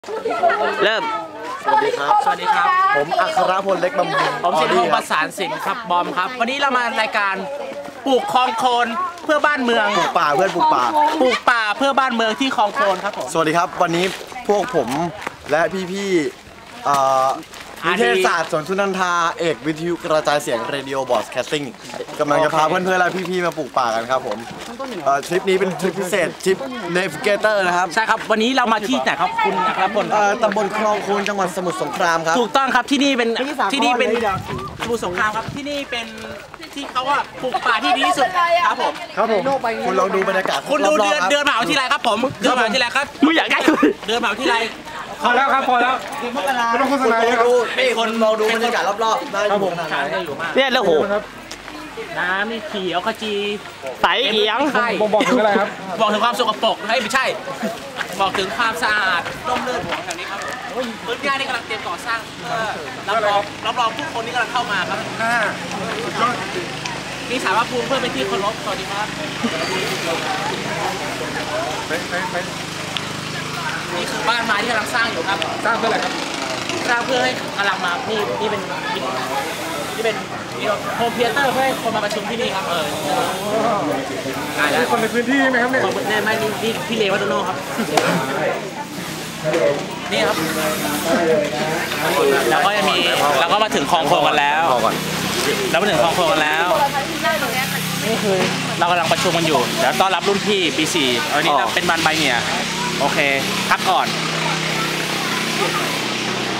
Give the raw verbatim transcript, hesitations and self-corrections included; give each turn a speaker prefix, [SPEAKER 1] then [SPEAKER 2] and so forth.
[SPEAKER 1] เริ่ม
[SPEAKER 2] สวัสดีครับ
[SPEAKER 3] สวัสดีครับ
[SPEAKER 2] ผมอัครพลเล็กบำรุง
[SPEAKER 3] ผมสิทธิพงศ์ประสานสินครับบอมครับ วันนี้เรามารายการปลูกคลองโคลนเพื่อบ้านเมือง
[SPEAKER 2] ปลูกป่าเพื่อนปลูกป่า
[SPEAKER 3] ปลูกป่าเพื่อบ้านเมืองที่คลองโคลนครับผม
[SPEAKER 2] สวัสดีครับวันนี้พวกผมและพี่ๆเอ่อนิเทศศาสตร์สวนสุนันทาเอกวิทยุกระจายเสียงเรดิโอบอสแคสติ้งกำลังจะพาเพื่อนๆและพี่ๆมาปลูกป่ากันครับผมเอ่อทริปนี้เป็นทริปพิเศษทริปเนวิเกเตอร์นะครับ
[SPEAKER 3] ใช่ครับวันนี้เรามาที่ไหนครับคุณอัครพล
[SPEAKER 2] เอ่อตำบลคลองโคนจังหวัดสมุทรสงครามครับ
[SPEAKER 3] ถูกต้องครับที่นี่เป็น
[SPEAKER 2] ที่สาคร
[SPEAKER 3] ที่นี่เป็น
[SPEAKER 2] เลยเดี๋ยว
[SPEAKER 3] สมุทรสงครามครับที่นี่เป็นที่เขาว่าปลูกป่าที่ดีที่สุดครับผม
[SPEAKER 2] ครับผมคุณลองดูบรรยากาศ
[SPEAKER 3] คุณดู
[SPEAKER 2] รอบ
[SPEAKER 3] เดือน
[SPEAKER 2] ๆครับ
[SPEAKER 3] เดือนมหาวิทยาลัยครับผมเดือนมหาวิทยาลัยครับ
[SPEAKER 1] มึงอยากได้กู
[SPEAKER 3] เดือนมหาวิทยาลัย
[SPEAKER 4] พอแล้วครับพอแล้วไม่ต้องโฆษณาเยอะครับ
[SPEAKER 2] ดูนี่คนลองดูบรรยากาศรอบๆได้ครับผม
[SPEAKER 3] ขายได้อยู่มาก
[SPEAKER 1] เนี่ยแล้วโห
[SPEAKER 3] น้ำมีเขียวขจี
[SPEAKER 1] ใสเอียง
[SPEAKER 3] ไข่
[SPEAKER 4] บ่งบอกถึงอะไรครับ
[SPEAKER 3] บอกถึงความสกปรกเฮ้ยไม่ใช่ บอกถึงความสะอาดร่มรื่นของแถวนี้ครับพื้นที่นี่กำลังเตรียมก่อสร้างเพื่อรับรองรับรองผู้คนที่กำลังเข้ามาครับมีสารพระภูมิเพื่อเป็นที่เคารพสวัสดีครับนี่คือบ้านไม้ที่กำลังสร้างอยู่ครับ
[SPEAKER 4] สร้างเพื่ออะไรครับ
[SPEAKER 3] สร้างเพื่อให้กำลังมานี่นี่เป็นนี่เป็นโฮมเธียเตอร์เพื่อให้คนมาประชุมที่นี่ครับเออได้แล้ว
[SPEAKER 4] คนในพื้นที่ไหมครับเนี่ย
[SPEAKER 3] คนเนี่ยไม่นี่นี่พี่เลวัตโนครับนี่ครับแล้วก็จะมีแล้วก็มาถึงคลองโคลนกันแล้วแล้วมาถึงคลองโคลนกันแล้วนี่คือเรากำลังประชุมกันอยู่เดี๋ยวต้อนรับรุ่นพี่ปีสี่วันนี้เป็นวันใบเนี่ยโอเคพักก่อน